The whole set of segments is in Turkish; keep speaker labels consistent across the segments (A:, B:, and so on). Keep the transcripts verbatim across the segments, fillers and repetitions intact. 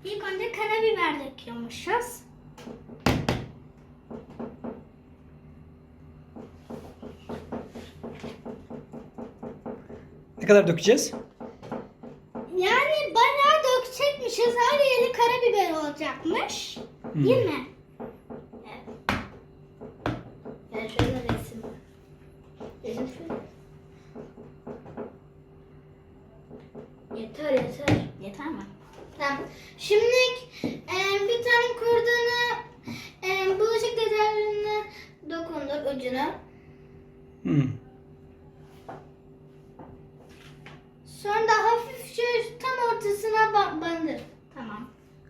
A: İlk önce karabiber döküyormuşuz.
B: Ne kadar dökeceğiz?
A: Yani bayağı dökecekmişiz. Her yeri karabiber olacakmış.
B: Hmm.
A: Değil mi? Evet. Yani şöyle resim. Resim şöyle. Yeter yeter. Yeter mi? Tamam. Şimdi e, bir tane kurdunu e, bulaşık deterjanına dokundur ucuna.
B: Hmm.
A: Sonra da hafifçe tam ortasına ba- bandır. Tamam.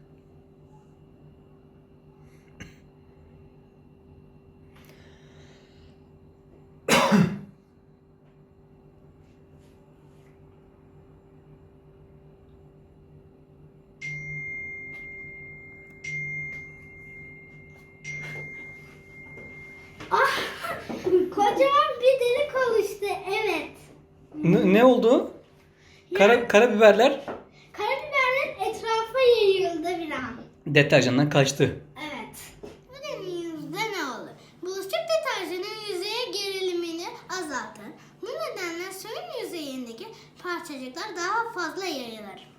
A: Ah! Kocaman bir delik oluştu. Evet.
B: Ne, ne oldu? Kara, karabiberler
A: Karabiberler etrafa yayıldı bir an.
B: deterjandan kaçtı.
A: Evet. Bu deneyimizde ne olur? Bulaşık deterjanın yüzeye gerilimini azaltır. Bu nedenle suyun yüzeyindeki parçacıklar daha fazla yayılır.